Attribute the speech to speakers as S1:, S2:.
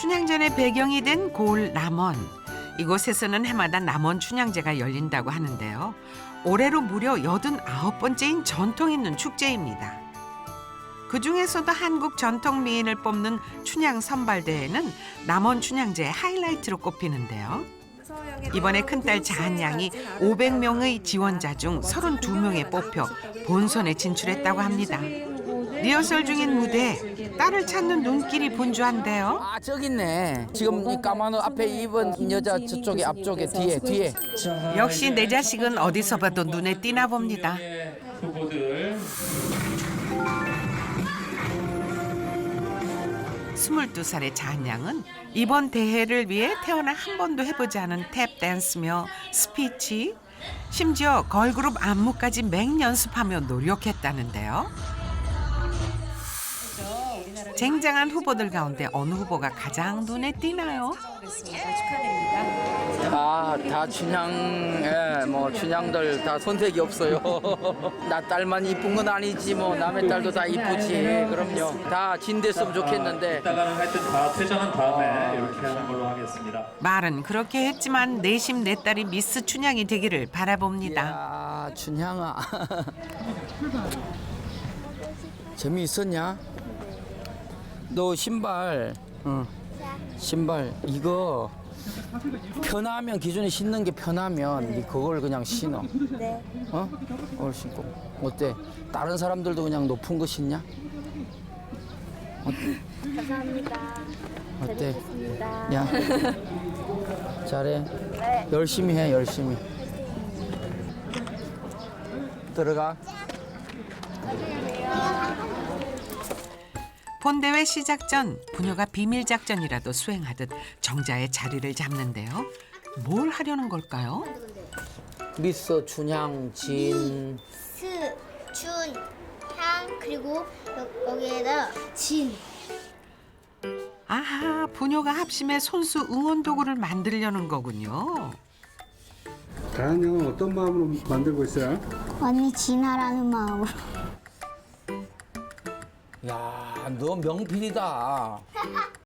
S1: 춘향전의 배경이 된 고을 남원. 이곳에서는 해마다 남원 춘향제가 열린다고 하는데요. 올해로 무려 89번째인 전통 있는 축제입니다. 그중에서도 한국 전통 미인을 뽑는 춘향 선발대회는 남원 춘향제의 하이라이트로 꼽히는데요. 이번에 큰딸 자한양이 500명의 지원자 중 32명에 뽑혀 본선에 진출했다고 합니다. 리허설 중인 무대에 딸을 찾는 눈길이 분주한데요.
S2: 아, 저기 있네. 지금 이 까만 옷 앞에 입은 여자 저쪽에 앞쪽에 뒤에.
S1: 역시 내 자식은 어디서 봐도 눈에 띄나 봅니다.
S3: 후보들
S1: 22살의 자한양은 이번 대회를 위해 태어나 한 번도 해보지 않은 탭 댄스며 스피치, 심지어 걸그룹 안무까지 맹연습하며 노력했다는데요. 쟁쟁한 후보들 가운데 어느 후보가 가장 눈에 띄나요?
S2: 다 춘향, 뭐 춘향들 다 손색이 없어요. 나 딸만 이쁜 건 아니지 뭐 남의 딸도 다 이쁘지. 그럼요. 다 진됐으면 좋겠는데.
S3: 이따가는 하여튼 다 퇴장한 다음에 이렇게 하는 걸로 하겠습니다.
S1: 말은 그렇게 했지만 내심 내 딸이 미스 춘향이 되기를 바라봅니다.
S2: 야, 춘향아. 재미있었냐? 너 신발, 신발 이거 편하면 기존에 신는 게 편하면 네 그걸 그냥 신어.
S4: 네.
S2: 그걸 신고. 어때? 다른 사람들도 그냥 높은 거 신냐?
S4: 감사합니다.
S2: 어때?
S4: 잘했습니다.
S2: 야, 잘해.
S4: 네.
S2: 열심히 해, 열심히. 들어가.
S1: 본대회 시작 전 부녀가 비밀 작전이라도 수행하듯 정자의 자리를 잡는데요. 뭘 하려는 걸까요?
S2: 미스 춘향 진.
S4: 스, 춘, 향, 그리고 여기에다 진.
S1: 아하, 부녀가 합심해 손수 응원 도구를 만들려는 거군요.
S5: 자한양은 어떤 마음으로 만들고 있어요?
S4: 언니 진하라는 마음으로.
S2: 야, 너 명필이다.